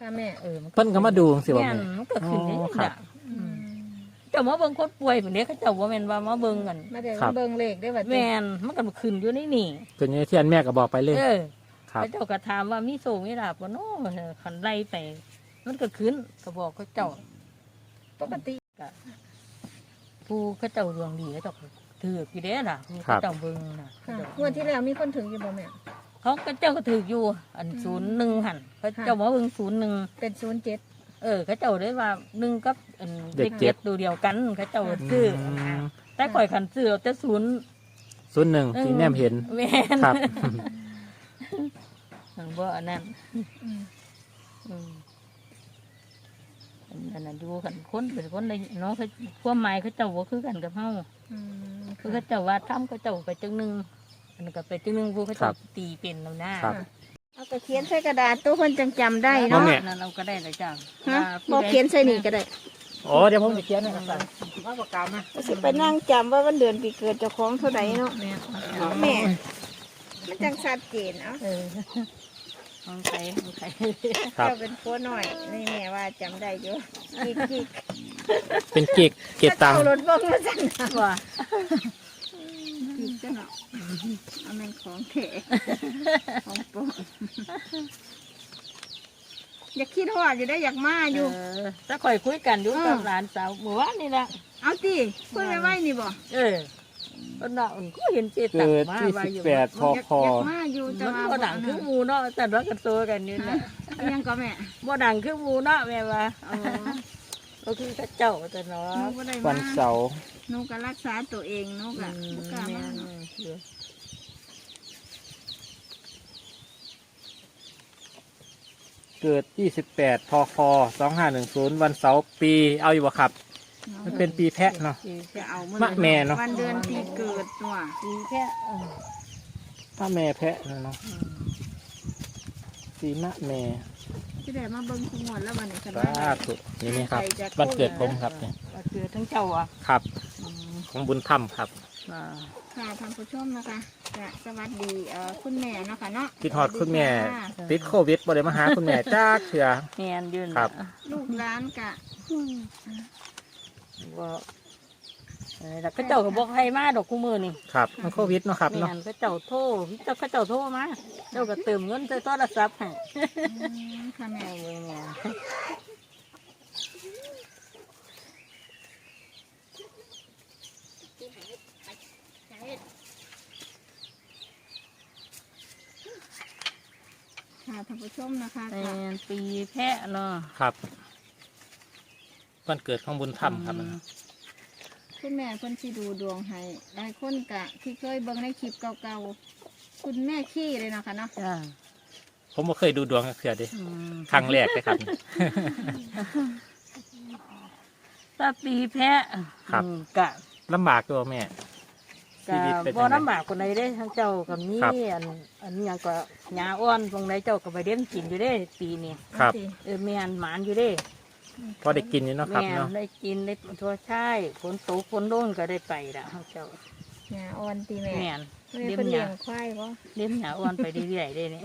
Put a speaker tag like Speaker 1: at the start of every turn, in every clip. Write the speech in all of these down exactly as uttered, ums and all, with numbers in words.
Speaker 1: ค่ะแม่
Speaker 2: เออ
Speaker 3: เพิ่นก็มาดูสิว่า
Speaker 2: แม่
Speaker 3: แม่
Speaker 2: มันก็ขึ้นได้
Speaker 3: อ๋อครับ
Speaker 2: เจ้ามาเบิ่งคนป่วยแบบนี้เขาเจ้าว่าแม่นว่ามาเบิ่งกัน
Speaker 1: มาเดี๋ยวเบิ่งเลขได้บัด
Speaker 2: แม่นมันก็ขึ้นอยู่ในนี่
Speaker 3: คืออย่างที่อันแม่ก็บอกไปเลย
Speaker 2: เออ
Speaker 3: ครับ
Speaker 2: เขาเจ้าก็ถามว่ามีโซมีลาบบ่เนาะคันไล่ไปมันก็ขึ้นก็บอกเขาเจ้า
Speaker 1: ปกติ
Speaker 2: ก็ผู้เขาเจ้าดวงดีเขาเจ้าก็ถือกี่เด้ล่ะผู้
Speaker 3: ครั
Speaker 2: เขา
Speaker 3: บ
Speaker 2: เจ้าเบิ่งน่ะ
Speaker 1: ค่ะงวดที่แล้วมีคนถึงอยู่บ่แม่
Speaker 2: เขาก็เจ้าก็ถืออยู่อันศูนย์หนึ่งหันเขาเจ้ามาเบิ่งศูนย์หนึ่ง
Speaker 1: เป็นศูนย์เจ็ด
Speaker 2: เออเขาเจ้าได้ว่าหนึ่งกับอัน
Speaker 3: เด็
Speaker 2: เด็
Speaker 3: ก
Speaker 2: ก
Speaker 3: เจ็
Speaker 2: เจ็
Speaker 3: ด
Speaker 2: ดตัวเดียวกันเขาเจ้าซื้อ
Speaker 3: อืม
Speaker 2: แต่ข่อยขันซื้อเอาแต่ศูนย์
Speaker 3: ศูนย์หนึ่งที่แนมเห็น
Speaker 2: แม่น
Speaker 3: ครับ
Speaker 2: มันบ่อันนั้น
Speaker 1: อืม
Speaker 2: อืมอันนั้นดูกันคนเป็นคนได้เนาะเขาความหมายเขาเจ้าบ่คือกันกับเฮา
Speaker 1: อืม
Speaker 2: คือเขาเจ้าว่าทำเขาเจ้าไปจังหนึงอันนั้นก็ไปจังหนึงผู้เขา
Speaker 3: ครั
Speaker 2: เจ้า
Speaker 3: บ
Speaker 2: ตีเป็นแล้วนะ
Speaker 3: ครับ
Speaker 1: เอาก็เขียนใส่กระดาษตัวคนจังจำได้
Speaker 3: บ่
Speaker 1: เนาะ
Speaker 3: แม่
Speaker 2: นั่นเราก็ได้เลยจ้ะ
Speaker 1: ฮะ
Speaker 2: ว่า
Speaker 1: บ
Speaker 2: ผู้
Speaker 1: อก
Speaker 2: ใด
Speaker 1: เขียนใส่นี่ก็ได้
Speaker 3: โอ้เดี๋ยวผมจะเขียนให้ครับว่าปากกามา
Speaker 1: ก็สิไปนั่งจำว่าวันเดือนปีเกิดเจ้าของเท่าไหร่เนาะ
Speaker 2: แม่
Speaker 1: แม่ มันจังชัดเจนเอ้า
Speaker 2: เออของใครของใคร
Speaker 3: ครับ
Speaker 1: เจ้าเป็นผัวหน่อยนี่แม่ว่าจำได้อยู่กิกกิก
Speaker 3: เป็นเกกเกตตัง
Speaker 1: เอารถเบิ่งมาสั่นนะ
Speaker 2: ว่า
Speaker 1: กิกก็เนาะเอาแม่นของเถะของปลอมอยากคิดฮอดอยู่ได้อยากมาอยู่
Speaker 2: เออถ้าข่อยคุยกันอยู่
Speaker 1: อืม
Speaker 2: กับหลานสาวเมื่อวานนี่ละ
Speaker 1: เอาติคุยไว้ไว้นี่บ่
Speaker 2: เออคนน่ะอุ่นก็เห็นเจตัง
Speaker 3: เกิด
Speaker 2: มา
Speaker 3: ที่
Speaker 2: ว่า
Speaker 3: สิบ
Speaker 2: อยู่
Speaker 3: แปดพ
Speaker 1: อยาก
Speaker 3: ค
Speaker 1: อยากมาอยู่แต่
Speaker 2: มัน
Speaker 1: ว่า
Speaker 2: บ่ดังคือหมูเนาะแต่ว่ากันโซกันนี่แหละ
Speaker 1: เอายังก็แม่
Speaker 2: บ่ดังคือหมูเนาะแม่ว่า
Speaker 1: เออ
Speaker 2: ก็คือพระเจ้าแต่เนาะ
Speaker 1: หนูก็ได้
Speaker 3: วั
Speaker 1: มาน
Speaker 3: เสาร์
Speaker 1: หนูก็รักษาตัวเองหนูก็
Speaker 2: อืม
Speaker 1: บ่กล้า
Speaker 2: แม่
Speaker 1: มาน
Speaker 2: เออ
Speaker 3: เกิดยี่สิบแปดพคสองห้าหนึ่งศูนย์วันเสาร์ปีเอาอยู่บ่ครับ มันเป็นปีแพะเนาะ
Speaker 2: ปีแค่
Speaker 1: จะเอา
Speaker 3: มะแม่เนาะ
Speaker 1: วันเดือนปีเกิดตัว
Speaker 2: ปีแค่เออ
Speaker 3: ถ้าแม่แพะเนาะ
Speaker 2: อืม
Speaker 3: ปีมะแม่
Speaker 1: ที่ได้มาเบิ่งทุกงวดแล้ววันนี้ฉัน
Speaker 3: สา
Speaker 1: ว่า
Speaker 3: ธุนี่นี่ครับ
Speaker 1: ใจจะ
Speaker 3: วันเกิดผมครับเนี่ย
Speaker 2: ว่าเกิดทั้งเจ้าอ่ะ
Speaker 3: ครับ
Speaker 2: อืม
Speaker 3: ของบุญธรรมครับ
Speaker 2: อ่า
Speaker 1: ค่ะท่านผู้ชมนะคะจะสวัสดีเอ่อคุณแม่เนาะค่ะเนาะ
Speaker 3: คิดฮอดคุณแม่
Speaker 1: สวัสดีค่ะ
Speaker 3: ติดโควิดบ่ได้มาหาคุณแม่จ้าเถื่อ
Speaker 2: แม่นยืน
Speaker 3: ครับ
Speaker 1: ลูกร้านกะ
Speaker 2: ว่าเออแล้วก็เจ้าก็บอกให้มาดอกคู่มือนี่
Speaker 3: ครับมันโควิดเนาะครับ
Speaker 2: แม่
Speaker 3: เนาะ
Speaker 2: นก็เจ้าโทรเจ้าก็เจ้าโทรมาเจ้าก็เติมเงินใส่โทรศัพท์ให้
Speaker 1: อืมค่ะแม่
Speaker 2: แม่เบิ่งแม่
Speaker 1: ค่ะท่านผู้ชมนะคะ
Speaker 2: แม่
Speaker 1: ค่ะ
Speaker 2: นปีแพะเนาะ
Speaker 3: ครับ วันเกิดของบุญธรรมครับ
Speaker 2: อืม
Speaker 1: คุณแม่เพิ่นสิดูดวงให้หลายคนกะที่เคยเบิ่งในคลิปเก่าๆคุณแม่ขี้เลยเนาะค่ะเนาะ
Speaker 2: จ้า
Speaker 3: ผมบ่เคยดูดวงกับเถื่อเดิ
Speaker 2: อืม
Speaker 3: ครั้งแรกเลยครับ
Speaker 2: ถ้าปีแพะ
Speaker 3: ครับ
Speaker 2: อืมกะ
Speaker 3: ลำบากตัวแม่ ชี
Speaker 2: กะ
Speaker 3: วิตเป็น
Speaker 2: บ่
Speaker 3: จังได
Speaker 2: ลำบากคนใดเด้ทั้งเจ้ากับนี้
Speaker 3: ครับ
Speaker 2: อันอันนี้ยังก็หญ้าอ่อนตรงไหนเจ้าก็ไปเลี้ยงกินอยู่เด้ปีนี้
Speaker 3: ครับ
Speaker 2: เออแม่นหมานอยู่เด้
Speaker 3: พอได้กินอยู่เนาะครับ
Speaker 2: แม่
Speaker 3: เนาะ
Speaker 2: ได้กินได้ทั่วใช่ฝนตกฝนโดนก็ได้ไปละทั้งเจ้า
Speaker 1: หญ้าอ่อนตีแม่
Speaker 2: แม่น
Speaker 1: แม่
Speaker 2: เลี้ย
Speaker 1: เพิ่น
Speaker 2: งห
Speaker 1: เลี้ย
Speaker 2: ญ้าง
Speaker 1: ควายบ่
Speaker 2: เลี้ยงหญ้าอ่อนไปเรื่อยๆได้นี่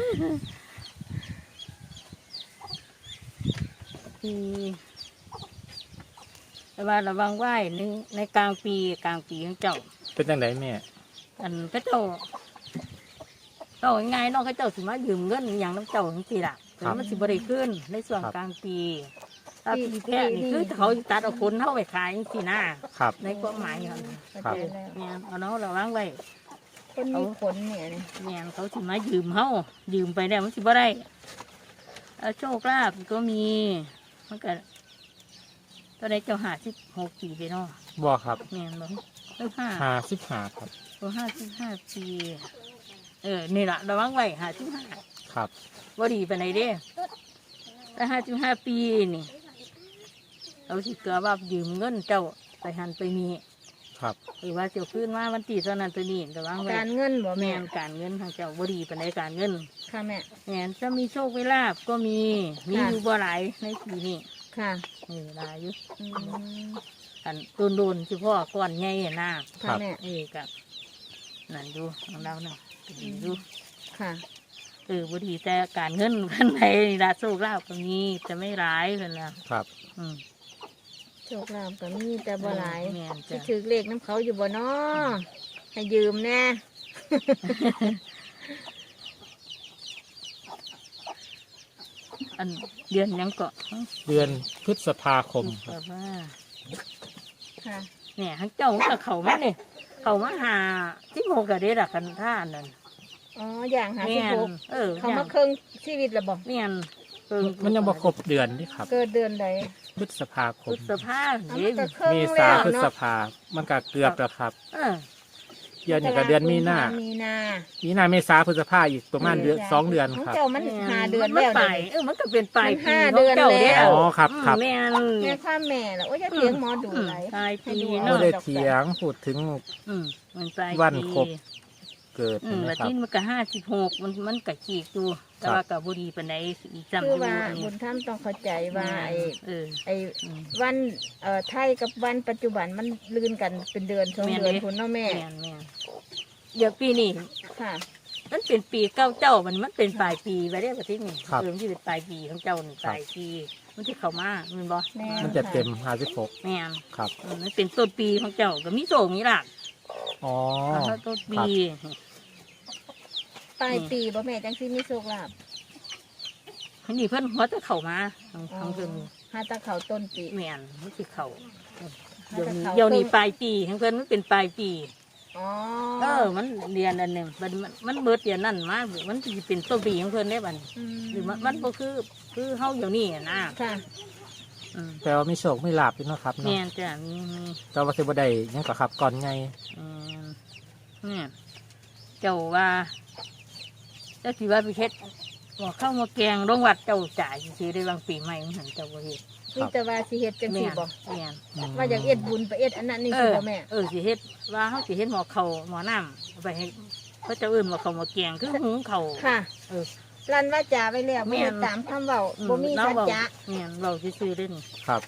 Speaker 2: ปีแต่ว่าระวังไหวในในกลางปีกลางปีของเจ้า
Speaker 3: เป็นจังไดแม่
Speaker 2: อันก็เจ้าเจ้าง่ายๆเน้องเขาเจ้าสิมายืมเงินอหย่างน้ำเจ้าจังซี่ล่ะแต่ว่ามันสิบริขึ้นในส่วนกลางปีถ้าปีแพะนี่คือเขาสิตัดเอาคนเข้าไปขายจังซี่นะครับ ในความหมายเขาน่ะ
Speaker 3: ครับ
Speaker 1: เข้าใจแล้ว
Speaker 2: เนี่ยเอาเนาะระวังไว้
Speaker 1: คนมีขนเนี่ยนี่
Speaker 2: เนี่ยเขาสิมายืมเขายืมไปแล้วมันสิบ่ได้เอาโชคลาภก็มีมันก็ตอนนี้เจ้าหาสิบหกปีไปเนาะ
Speaker 3: บ่ครับ
Speaker 2: เนี่ยบอกเริ่มห้า
Speaker 3: ห้าสิบห้าครับ
Speaker 2: ตัวห้าสิบห้าปีเออนี่แหละระวังไว้หาสิบห้า
Speaker 3: ครับ
Speaker 2: ว่าดีไปไหนเด้แต่ห้าสิบห้าปีนี่เราสิเกลือว่ายืมเงินเจ้าไปหันไปมี
Speaker 3: ครับ
Speaker 2: หรือว่าเจ้าขึ้นมาวันตีเท่านั้นตัวนี้ระวังไว้
Speaker 1: การเงินบ่
Speaker 2: แม่
Speaker 1: แม่
Speaker 2: นการเงินทางเจ้าบ่ดีไปไหนใดการเงิน
Speaker 1: ค่ะแม่
Speaker 2: แม่นจะมีโชคเวลาภก็มีมี
Speaker 1: ค่ะ
Speaker 2: อยู่บ่หลายในปีนี้
Speaker 1: ค่ะ
Speaker 2: นี่หลายอยู่
Speaker 1: อืม
Speaker 2: อันโดนโดนๆเฉพาะก้อนใหญ่หน้า
Speaker 1: ค่ะแม่
Speaker 2: เอ้กับนั่นดูของเราเนาะก็ดีอยู่
Speaker 1: ค่ะ
Speaker 2: เออบ่ดีแต่การเงินกันไหนละโชคลาภก็มีแต่ไม่ร้ายเพิ่นล่ะ
Speaker 3: ครับ
Speaker 2: อืม
Speaker 1: โชคลาภก็มีแต่บ่หลาย
Speaker 2: แม่น
Speaker 1: สิ
Speaker 2: จ้ะ
Speaker 1: ถือเลขน้ำเขาอยู่บ่เนาะให้ยืมแน่
Speaker 2: อันเดือนหยังก็
Speaker 3: เดือนพฤษภาคมค
Speaker 2: แบ
Speaker 3: รับบ
Speaker 2: ว่า
Speaker 1: ค่ะ
Speaker 2: เนี่ยทั้งเจ้ากับเขามาเนี่ยเขามาหาที่โมกะเด็ดอะกันท่านนั่น
Speaker 1: อ๋ออย่างหา
Speaker 2: แม่
Speaker 1: สิบ
Speaker 2: น
Speaker 1: หก
Speaker 2: เออ
Speaker 1: เขามาเครื่องชีวิตและบ่
Speaker 2: แม่นเพิ่ง
Speaker 3: มันยังบ่ครบเดือนนี่ครับ
Speaker 1: เกิดเดือนใด
Speaker 3: พฤษภาค
Speaker 2: พุ
Speaker 3: ม
Speaker 2: ทธภา
Speaker 1: เอา
Speaker 2: เด้
Speaker 1: มันก็เครื่อง
Speaker 3: เม
Speaker 1: แล้
Speaker 3: ษาว พฤษ
Speaker 1: เนาะ
Speaker 3: ภามันก็เกือบแล้วครับ
Speaker 2: เออ
Speaker 3: เดือนนี้ก็เดือนมีนา
Speaker 1: มีนา
Speaker 3: มีนาเมษาพฤษภาอีกประมาณเดือนสองเดือน
Speaker 1: ของ
Speaker 3: ครับ
Speaker 1: เจ้ามันหาเดือน
Speaker 2: มั
Speaker 1: แล้ว
Speaker 2: ไป
Speaker 1: เดี๋ยวนี้
Speaker 2: เออมันก็เป็นปลาย
Speaker 1: มัน
Speaker 2: ปี
Speaker 1: ห้า
Speaker 2: ของจ้
Speaker 1: เดือนแล้ว
Speaker 3: อ๋อครับครับ
Speaker 2: แม่น
Speaker 1: แม่ความแม่ล่ะโอ้ยจะเถียงหมอดูไหล
Speaker 2: ปลาย
Speaker 1: ให้
Speaker 2: ปี
Speaker 1: ดู
Speaker 3: ไม่
Speaker 2: เนาะ
Speaker 3: ได้เถียงพูดถึง
Speaker 2: อืมมันปลาย
Speaker 3: วัน
Speaker 2: ปี
Speaker 3: ครบ เกิด
Speaker 2: อืม
Speaker 3: นะ
Speaker 2: แล้ว
Speaker 3: ครับ
Speaker 2: ที่มันก็ห้าสิบหกมันมันก็ขีกอยู่แต่ว่ากับบุรีปานใดอีกจำอ
Speaker 1: คือยู่ ว่า
Speaker 2: อัน
Speaker 1: บุ
Speaker 2: นี้
Speaker 1: ญท่านต้องเข้าใจว่าไอ้
Speaker 2: เออ
Speaker 1: ไอ้
Speaker 2: อืม
Speaker 1: วันเอ่อไทยกับวันปัจจุบันมันลืนกันเป็นเดือนสอง
Speaker 2: แม่น
Speaker 1: เดือน
Speaker 2: เด้
Speaker 1: คุณเนาะแม่
Speaker 2: แม่นแม่นเดี๋ยวปีนี้
Speaker 1: ค่ะ
Speaker 2: มันเป็นปีเก้าเจ้ามันมันเป็นปลายปีไปได้ประเทศนี้
Speaker 3: ครับ
Speaker 2: เออมันจะเป็นปลายปีของเจ้านี่ปลายปีมันที่เข้ามามันบ่
Speaker 1: แม่
Speaker 3: มันจะเต็มห้าสิบหก
Speaker 2: แม่น
Speaker 3: ครับ
Speaker 2: เออมันเป็นต้นปีของเจ้าก็มีโศกมีหลัก
Speaker 3: อ๋อ
Speaker 2: แล้วต้นปี
Speaker 1: ปลายปีบ่แม่จังสิมีโชคลาภ
Speaker 2: อันนี้เพิ่นหัวจะเข้ามาทางทางเพิ่น
Speaker 1: หาตะเขาต้นปี
Speaker 2: แม่นมันสิเข้า
Speaker 1: หา
Speaker 2: เดี๋ยว
Speaker 1: ตะ
Speaker 2: นี้
Speaker 1: เขา
Speaker 2: เดี๋ยวนี้
Speaker 1: ต้
Speaker 2: ปลายปีของเพิ่นมันเป็นปลายปี
Speaker 1: อ๋อ
Speaker 2: เออ มันเรียนอันหนึงมันมันมันเบิดเรียนนั่นมามันสิเป็นต้นปีของเพิ่นได้บัดนี้
Speaker 1: ม
Speaker 2: หรือมันมันบ่คือคือเฮาเดี๋ยวนี้อะนะ
Speaker 1: ค่ะ
Speaker 2: อืม
Speaker 3: แปลว่ามีโชคไม่ลาบด้วยเนาะครับ
Speaker 2: แม่
Speaker 3: เนาะ
Speaker 2: นจ้ะมีมี
Speaker 3: แต่ว่าสิบ่ได้หยังก็ครับก่อนไง
Speaker 2: อืมเนี่ยเจ้าว่าเจ้าสิว่าไปเฮ็ดบอกเข้ามาแกงโรงวัดเจ้าจ่ายสิได้บางปีใหม่มันหันเจ้าบ่เฮ็ด
Speaker 1: มีแต่ว่าสิเฮ็ดจัง
Speaker 2: แม่
Speaker 1: ซี่
Speaker 2: น
Speaker 1: บ่
Speaker 2: แม่น
Speaker 1: ว่าอยากเอ็ดบุญไปเอ็ดอันนั้นนี่
Speaker 2: เอ
Speaker 1: สิ
Speaker 2: อ
Speaker 1: บ่แม่
Speaker 2: เออสิเฮ็ดว่าเฮาสิเฮ็ดหมอเขาวหมอน้ำเอาไปให้เขาเจ้าอื่นว่าเขาวหมาแกงคือหุงเขาว
Speaker 1: ค่ะ
Speaker 2: เออ
Speaker 1: รันว่าจาไว้แล้ว
Speaker 2: แม่
Speaker 1: บ่
Speaker 2: น
Speaker 1: ได้ตามคำเว้า
Speaker 2: อื
Speaker 1: บ่มี
Speaker 2: เรา
Speaker 1: สัจ
Speaker 2: เว้า
Speaker 1: จะ
Speaker 2: แม่นเราซื่อๆเด้นี่
Speaker 3: ครับ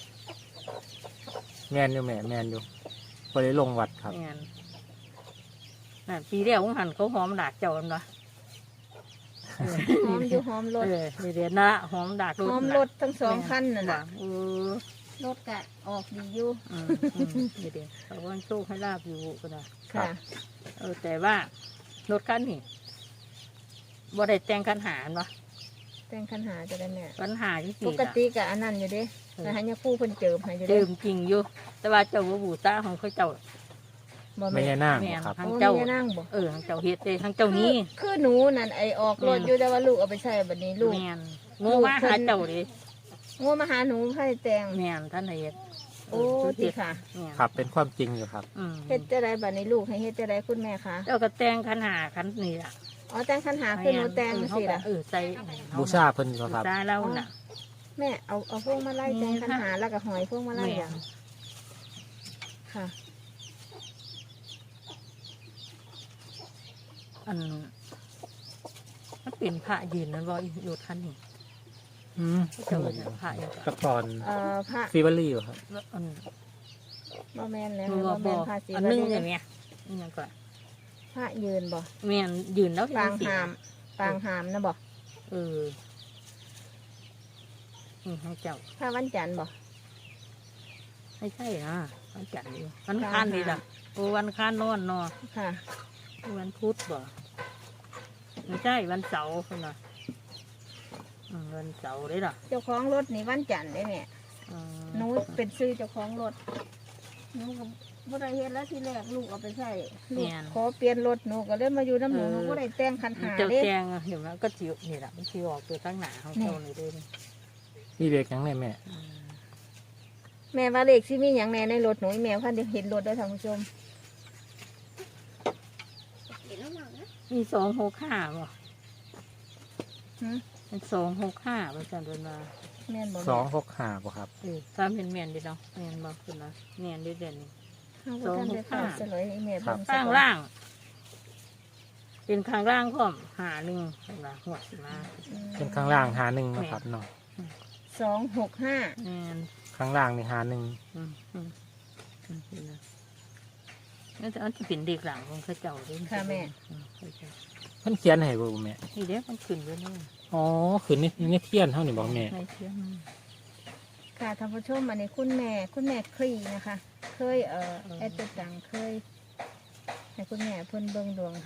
Speaker 3: แม่นอยู่แม่แม่นอยู่บ่ได้ลงวัดครับ
Speaker 2: แม่นนั่นปีแรกของหันเขาหอมดากเจ้ากันวะ
Speaker 1: หอมอยู่หอมรถ
Speaker 2: เออเดี๋ยวนะหอมดาก
Speaker 1: หอมรถทั้งสองคันนั่น
Speaker 2: น่ะ
Speaker 1: น่ะ
Speaker 2: เออ
Speaker 1: รถก็ออกดีอยู่
Speaker 2: อืมอืมเดี๋ยวเดี๋ยวเขาว่าโชคให้ลาบอยู่ก็ได้
Speaker 1: ค่ะ
Speaker 2: เออ แต่ว่ารถคันนี่บ่ได้แต่งคันหารวะ
Speaker 1: แต่งคันหาจะได้แม่
Speaker 2: คันหาที่
Speaker 1: ป
Speaker 2: สี่
Speaker 1: กติก็อันนั้นอยู่เด้แต่ให้ยาคู่เพิ่นเจิมให้อยู่
Speaker 2: เดิ
Speaker 1: เด้
Speaker 2: มจริงอยู่ แต่ว่าเจ้าบ่บูตาของเขาเจ้า
Speaker 1: บ่
Speaker 3: ไม่
Speaker 1: แม่
Speaker 3: ใช่นาง
Speaker 2: แม่น
Speaker 3: ครับ
Speaker 2: ทาง
Speaker 1: โอ้
Speaker 2: เจ้า
Speaker 1: แม่นั่งบ่
Speaker 2: เออทางเจ้าเฮ็ดเลยทางเจ้านี้
Speaker 1: คือคือหนูนั่นไอออกรถอยู่แต่ว่าลูกเอาไปใช้บัดนี้ลูก
Speaker 2: แม่นโง่มาหาเจ้าดิ
Speaker 1: งัวมาหาหนูให้แต่ง
Speaker 2: แม่นท่านเฮ็ด
Speaker 1: โอ้ติค่ะ
Speaker 2: แม่น
Speaker 3: ครับ เป็นความจริงอยู่ครับ
Speaker 2: อืม
Speaker 1: เฮ็ดจะได้บัดนี้ลูกให้เฮ็ดจะได้คุณแม่คะ
Speaker 2: เจ้าก็แต่งคันหาคันนี่ล่ะ
Speaker 1: อ๋อแต่งคันหาคือหนูแต่ง
Speaker 2: เออ
Speaker 1: สิ
Speaker 2: เขาก็
Speaker 1: ล่ะ
Speaker 2: เออใส่
Speaker 3: บูชาเพิ่นก็
Speaker 2: บู
Speaker 3: ครับ
Speaker 2: ชาเราน่ะ
Speaker 1: แม่เอาเอาพวงมาไล่แต่งคันหาแล้วก็หอยพวงมาไล่
Speaker 2: แม่
Speaker 1: อย่างค่ะ
Speaker 2: อันมันเป็นพระยืนนั่นบ่อยู่ท่านนี่
Speaker 3: อืม
Speaker 2: เจ้าเป็นพระอยู่
Speaker 3: ตะกอน
Speaker 1: เอ่อพระ
Speaker 3: ฟีเวอรี่อยู่ครับ
Speaker 2: อัน
Speaker 1: บ่แม่นแล้ว
Speaker 2: มือ
Speaker 1: บ่
Speaker 2: บ่
Speaker 1: แม่นพระศิ
Speaker 2: อัน
Speaker 1: ว
Speaker 2: นึง
Speaker 1: ลี
Speaker 2: อย่างเนี้ยนี่ยังก่อน
Speaker 1: พระยืนบ่
Speaker 2: แม่นยืนแล้ว
Speaker 1: ปาง
Speaker 2: เห็น
Speaker 1: หามปางหามนะบ่
Speaker 2: เออนี่ให้เจ้า
Speaker 1: พระวันจันทร์บ่
Speaker 2: ไม่ใช่นะวันจันทร์อยู่วันคานนี่ล่ะโอ้วันคานนอนเนอ
Speaker 1: ค่ะ
Speaker 2: วันพุธบ่ไม่ใช่วันเสาร์คนน่ะอืมวันเสาร์เลยล่ะ
Speaker 1: เจ้าของรถนี่วันจันทร์ได้แม่
Speaker 2: อืม
Speaker 1: หนูเป็นซื้อเจ้าของรถหนูก็บ่ได้เฮ็ดแล้วทีแรกลูกเอาไปใช้ลูกขอเปลี่ยนรถหนูก็เลยมาอยู่น้ำหนูหนูบ่ได้แต่งคันหา
Speaker 2: เจ้า
Speaker 1: เด้
Speaker 2: แจงเห็นไหมก็จิ๋วนี่แหละมันจิ๋วออกตัวทั้งหนาของเจ้าเลยเด้วย
Speaker 3: นี่เด็กยังไงแม่
Speaker 1: แม่ว่าเลขสิมีหยังแน่ในรถหนูอีแม่คันเดี๋ยวเห็นรถเด้อท่านผู้ชม
Speaker 2: มีสองหกห้าบ่
Speaker 1: หึ
Speaker 2: เป็นสองหกห้าประจันเป็นมา
Speaker 1: แม่นบ่
Speaker 3: สองหกห้าบ่ครับ
Speaker 2: เออตามเป็นเมียนดีเนาะเมียนบอกคุณนะเมียนดีเด่น
Speaker 1: เฮาบ่ทันได้เข้าเฉลยให้แม่เบิ่ง
Speaker 2: ข้างล่าง เป็นข้างล่างพร้อมหาหนึ่งเห็นไหมหัวสิมา
Speaker 3: เป็นข้างล่างหาหนึ่งนะครับเนาะ
Speaker 1: สองหกห้า
Speaker 2: เมียน
Speaker 3: ข้างล่างนี่หาหนึ่ง
Speaker 2: อืมอืมอืมเห็นไหมนั่นจะอันที่เป็นเด็กหลังของเข้าเจ้าด้วยอืมเข้าเจ้า
Speaker 3: เพิ่นเขียนให้บ่แม่
Speaker 2: นี่เด้มันขึ้นอยู่นี่
Speaker 3: อ๋อขึ้นในในเทียนเท่านี่บอกแม่
Speaker 2: ในเทียน
Speaker 1: ค่ะท่านผู้ชมอันนี้คุณแม่คุณแม่ครีนะคะ เคยเอ่อแอดตัวตังเคยให้คุณแม่เพิ่นเบิ่งดวงให้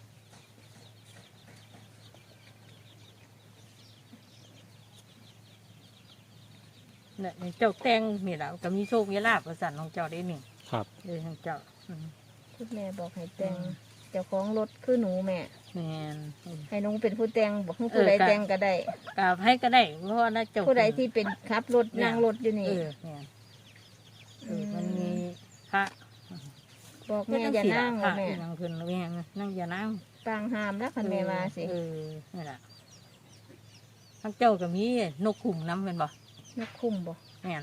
Speaker 2: เนี่ยเจ้าแตงนี่แหละก็มีโชคมีลาภประสานของเจ้าได้หนึ่ง
Speaker 3: ครับ
Speaker 2: เลยของเจ้าอืม
Speaker 1: คุณแม่บอกให้แต่งเจ้าของรถคือหนูแม่
Speaker 2: แม่น
Speaker 1: ให้น้องเป็นผู้แต่งบอกให้ผู้ใด
Speaker 2: เออค่ะ
Speaker 1: แต่งก็ได้
Speaker 2: กราบให้ก็ได้เพราะว่าน่าเจ้า
Speaker 1: ผู้ใดที่เป็นขับรถนั่งรถอยู่
Speaker 2: เอ
Speaker 1: นี่
Speaker 2: อแม่นเออมันมีพระ
Speaker 1: บอกแม่อย่านั่ง
Speaker 2: พระ
Speaker 1: แม่
Speaker 2: ที่นั่งเพิ่นแม่นั่งอย่านั่ง
Speaker 1: ต่างหามแล้วคันแม่มาสิ
Speaker 2: เออนี่แหละทั้งเจ้าก็มีนกขุมน้ำเป็นบ่
Speaker 1: นกคุ้มบ่
Speaker 2: แม่น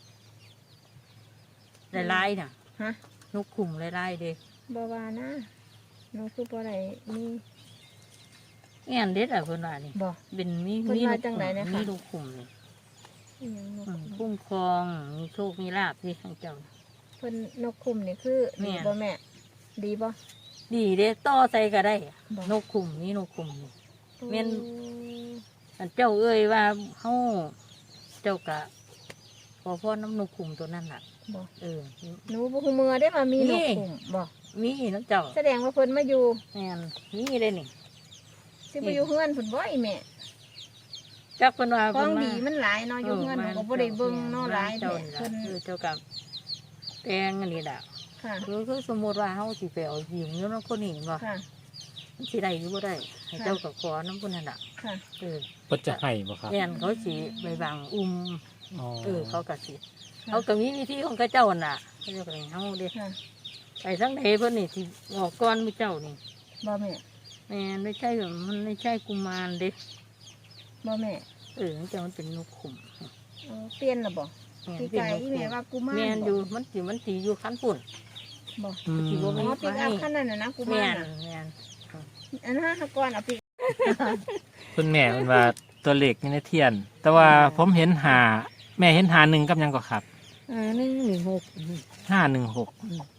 Speaker 2: ลายๆน่ะ
Speaker 1: ฮะ
Speaker 2: นกขุมลายๆเด้
Speaker 1: บ่ว่านะนกคือบ่ได้มี
Speaker 2: แง่นเด็ดอ่ะเพิ่นว่านี่
Speaker 1: บ่
Speaker 2: เป็นมี
Speaker 1: เพิ่น
Speaker 2: มี
Speaker 1: ว่าจังใดนะคะ
Speaker 2: มีนกขุมนี่
Speaker 1: อิหยังนก
Speaker 2: อืม
Speaker 1: คุ้ม
Speaker 2: คุ้มครองมีโชคมีลาภที่ทั้งเจ้า
Speaker 1: เพิ่นนกคุ้มนี่คือ
Speaker 2: แม่
Speaker 1: ดีบ่แม่ ดีบ่
Speaker 2: ดีเด้ต่อใส่ก็ได้
Speaker 1: บ่
Speaker 2: นกขุมนี่นกขุมนี่ แม่น
Speaker 1: โอ้
Speaker 2: อันเจ้าเอ้ยว่าเฮาเจ้ากะพอพ่อน้ำนกขุมตัวนั้นล่ะ
Speaker 1: บ่
Speaker 2: เออ
Speaker 1: หนูบ่ฮู้มือได้มามี
Speaker 2: นี่
Speaker 1: นกคุ้มบ่
Speaker 2: มีน้ำเจ้า
Speaker 1: แสดงว่าเพิ่นมาอยู่
Speaker 2: แม่นมีเลยนี่
Speaker 1: สิบ่อยู่เฮือนเพิ่นบ่อีแม่
Speaker 2: จักเพิ่นว่า
Speaker 1: ของ
Speaker 2: เพิ่นมา
Speaker 1: ดีมันหลายเนาะอยู่เฮือนหนูก็บ่ได้เบิ่งเนาะหลาย
Speaker 2: เจ้า
Speaker 1: แท้
Speaker 2: นี่ล่ะ
Speaker 1: เพิ่น
Speaker 2: คือเจ้ากับแตงอันนี้ล่ะ
Speaker 1: ค่ะ
Speaker 2: คือคือสมมติว่าเฮาสิไปเอาหญิงอยู่นำคนนี้บ่
Speaker 1: ค่ะ
Speaker 2: มันสิได้อยู่บ่ได้ให้เจ้าก็ขอน้ำพุ่นนั่นล่ะ
Speaker 1: ค่ะ
Speaker 2: เออ
Speaker 3: เพิ่นจะให้บ่ครับ
Speaker 2: แม่นเขาสิไปบังอุ้ม
Speaker 3: อ๋อ
Speaker 2: เออเขาก็สิเขาก็มีวิธีของเขาเจ้าน่ะเขาเจ้าก็ให้เฮาเด้
Speaker 1: ค่ะ
Speaker 2: ไปทั้งใดเพิ่นนี่สิออกก่อนมื้อเจ้านี่
Speaker 1: บ่แม่
Speaker 2: แม่นไม่ใช่แบบมันไม่ใช่กุมารเด้
Speaker 1: บ่แม่
Speaker 2: เออมันจะมันเป็นนกขุม
Speaker 1: เออเปลี่ยนและบ่
Speaker 2: แม่น
Speaker 1: พี่
Speaker 2: เป็น
Speaker 1: ไก่
Speaker 2: นก
Speaker 1: อี
Speaker 2: ขุ
Speaker 1: แม่
Speaker 2: ม
Speaker 1: ว่ากูมาร
Speaker 2: แม่น
Speaker 1: บ่
Speaker 2: อยู่มันสิมันสิอยู่คันปุ่น
Speaker 1: บ่
Speaker 3: อืม
Speaker 2: สิบ่
Speaker 1: อ๋
Speaker 2: มี
Speaker 1: อปิกอัพคันนั้นน่ะนะกูมา
Speaker 2: แม่น
Speaker 1: น่ะ
Speaker 2: แม่น
Speaker 1: อันนั้นฮะก่อนเอาปิก
Speaker 3: คุณแม่มันว่าตัวเลขอยู่ในเทียน แต่ว่าผมเห็นหาแม่เห็นหาหนึ่งกับหยังก็ครับ
Speaker 2: อ่าหนึ่งหนึ่งหก
Speaker 3: ห้าหนึ่งหก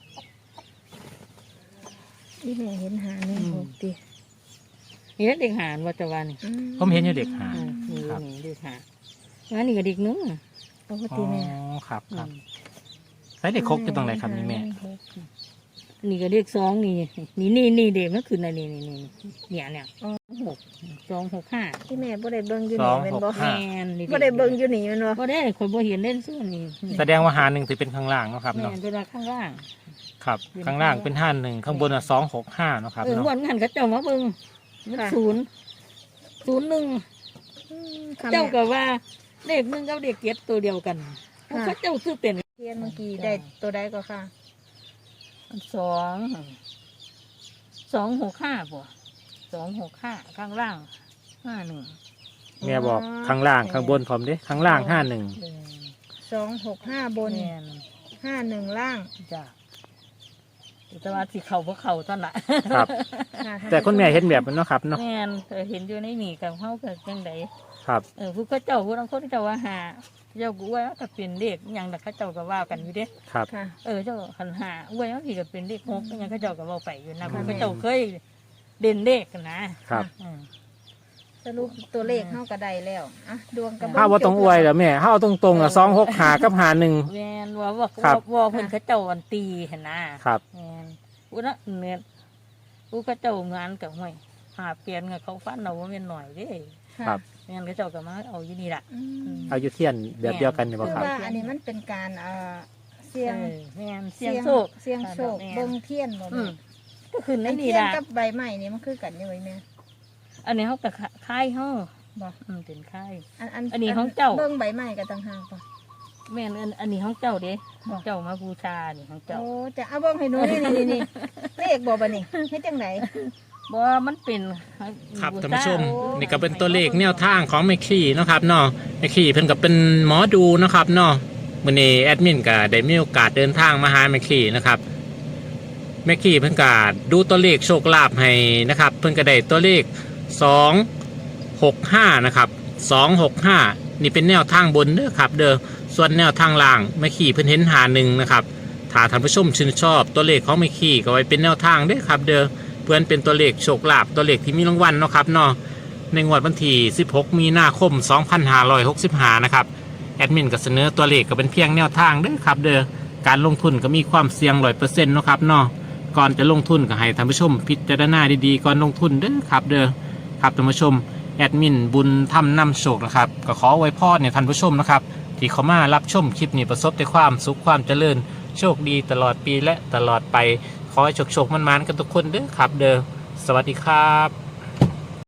Speaker 1: อีแม่เห็นหาหนึ่งหกติ
Speaker 2: นี่เด็กหานวัตวันนี่
Speaker 1: อื
Speaker 3: ผมเห็นอยู่เด็กหา
Speaker 2: อ่านี่
Speaker 3: ครับ
Speaker 2: นี่เด็กหางั้นนี่ก็เด็กหนึง
Speaker 1: ปก
Speaker 3: อ๋
Speaker 1: ติแม่
Speaker 3: อครับครับ
Speaker 2: อืม
Speaker 3: ใส่เด็กครกอยู่ตรงไหนครับนี่แม่
Speaker 2: นี่ก็เด็กสองนี่นี่นี่นี่เด็กมันคืออะไรนี่นี่นี่เนี่ยเนี่ยหกสองหกห้า
Speaker 1: ที่แม่บ่ได้เบิ่งอยู่
Speaker 3: ส
Speaker 1: นี่
Speaker 3: อง
Speaker 1: แม่น
Speaker 3: หก
Speaker 1: บ่
Speaker 3: ห้า
Speaker 2: แมนนี่
Speaker 1: บ่ได้เบิ่งอยู่นี่แม่นบ่
Speaker 2: บ่ได้คนบ่เห็นเล่นสู้นี่
Speaker 3: แสดงว่าหาหนึ่งถือเป็นข้างล่างเนาะครับ
Speaker 2: แม
Speaker 3: เนาะ
Speaker 2: นเวลาข้างล่าง
Speaker 3: ครับ ข้างล่างเป็นห้าหนึ่งข้างบนอ่ะสองหกห้าเนาะครับ
Speaker 2: เออ
Speaker 3: เนาะ
Speaker 2: วันงั้นเขาเจ้ามาเบิ่งมันศูนย์ศูนย์หนึ่ง
Speaker 1: อืมค่ะ
Speaker 2: เจ้า
Speaker 1: แม่
Speaker 2: ก็ว่าเลขหนึ่งกับเลขเจ็ดตัวเดียวกันเขาเจ้าซื้อเป็น
Speaker 1: เทียนเมื่อกี้ได้ตัวใดก็ค่ะ
Speaker 2: สองสองหกห้าป่ะสองหกห้าข้างล่างห้าหนึ่ง
Speaker 3: แม่บอกข้างล่างข้างบนผมดิข้างล่างห้าหนึ่ง
Speaker 1: สองหกห้าบน
Speaker 2: แม่น
Speaker 1: ห้าหนึ่งล่าง
Speaker 2: จ้ะแต่ว่าสิเข่าเพราะเข่าตอนละ
Speaker 3: ครับ
Speaker 1: ค่ะ
Speaker 3: แต่คุณแม่เห็นแบบนั้นเนาะครับเนาะ
Speaker 2: แม่นเออเห็นอยู่ในนี่กับเขาเกิดยังไง
Speaker 3: ครับ
Speaker 2: เออผู้เขาเจ้าผู้นังคนเจ้าว่าหาเจ้ากูว่าก็เป็นเลขอหย่างแต่เขาเจ้าก็ว่ากันอยู่เด้
Speaker 3: ครับ
Speaker 1: ค่ะ
Speaker 2: เออเจ้าขันหาอวยบางทีก็เป็นเลขหกอหย่างเขาเจ้าก็เว่าไปอยู่นะ
Speaker 1: ค่ะ
Speaker 2: เขาเจ้าเคยเด่นเลขกันนะครับ อืม
Speaker 1: สรุปตัวเลขเข้าก็ได้แล้วอ่ะดวงกระ
Speaker 3: ถ้าว่าตรงอวยเหรอแม่ถ้าเอาตรงๆอ่ะสองหกหากับหาหนึ่ง
Speaker 2: แม่นว่าว่า
Speaker 3: ครั
Speaker 2: ว่า
Speaker 3: บ
Speaker 2: ว่าเพิ่นเขาเจ้าอันตีเห็นนะครับ แม่นอุนะเนี่ยผู้เขาเจ้างานกับห้วยหาเปลี่ยนกับเขาฟันเราว่าแม่นหน่อยเด้
Speaker 1: ค่ะ
Speaker 3: ครับ
Speaker 2: แม่นเขาเจ้าก็มาเอาอยู่นี่ล่ะ
Speaker 1: อืม
Speaker 3: เอาอยู่เทียนแบบเดียวกันเนี่ย
Speaker 1: คื
Speaker 3: บ่
Speaker 1: อ
Speaker 3: ครับ
Speaker 1: ว่าอันนี้มันเป็นการเอ่อเสียง
Speaker 2: เออแม่นเสียงโชค
Speaker 1: เสียงโชค
Speaker 2: แม่น
Speaker 1: เบิ่งเทียนบ่
Speaker 2: อื
Speaker 1: แม่
Speaker 2: มก็คือใน
Speaker 1: อัน
Speaker 2: นี่
Speaker 1: เทียน
Speaker 2: ล่ะ
Speaker 1: กับใบไม้นี่มันคือกันอยู่ไว้แม่
Speaker 2: อันนี้เขาก็ค่ายเฮา
Speaker 1: บ่
Speaker 2: อืมเป็นค่าย
Speaker 1: อันอัน
Speaker 2: อันนี้ของเจ้า
Speaker 1: เบิ่งใบไม้กันต่างหากบ่
Speaker 2: แม่นอันอันนี้ของเจ้าเด้ของเจ้ามาบูชานี่ของเจ้า
Speaker 1: โอ้จะเอาเบิ่งให้หนูนี่นี่นี่เลขบ่บัดนี้เฮ็ดจังได
Speaker 2: บ่มันเป็น
Speaker 3: ครับ
Speaker 2: บูช
Speaker 3: ท่านผู้ชม
Speaker 1: โอ้
Speaker 3: นี่ก็เป็นตัวเลขแนวทางของแม่ขี้เนาะครับเนาะแม่ขี้เพิ่นก็เป็นหมอดูเนาะครับเนาะมื้อนี้แอดมินก็ได้มีโอกาสเดินทางมาหาแม่ขี้นะครับแม่ขี้เพิ่นก็ดูตัวเลขโชคลาภให้นะครับ เพิ่นก็ได้ตัวเลขสองหกห้านะครับสองหกห้านี่เป็นแนวทางบนเด้อครับ เด้อส่วนแนวทางล่างแม่ขี้เพิ่นเห็นหาหนึ่งนะครับถ้าท่านผู้ชมชื่นชอบตัวเลขของแม่ขี้ก็ไว้เป็นแนวทางเด้อครับ เด้อเพื่อนเป็นตัวเลขโชคลาภตัวเลขที่มีรางวัลเนาะครับเนาะในงวดวันที่สิบหกมีนาคมสองพันห้าร้อยหกสิบห้านะครับแอดมินก็เสนอตัวเลขก็เป็นเพียงแนวทางเด้อครับเด้อการลงทุนก็มีความเสี่ยงร้อยเปอร์เซ็นต์เนาะครับเนาะก่อนจะลงทุนก็ให้ท่านผู้ชมพิจารณาดีๆก่อนลงทุนเด้อครับเด้อครับท่านผู้ชมแอดมินบุญทำนำโชคนะครับก็ขอไว้พรเนี่ยท่านผู้ชมนะครับที่เขามารับชมคลิปนี้ประสบแต่ความสุขความเจริญโชคดีตลอดปีและตลอดไปขอให้โชคโชคมันๆกันทุกคนเด้อครับเด้อสวัสดีครับ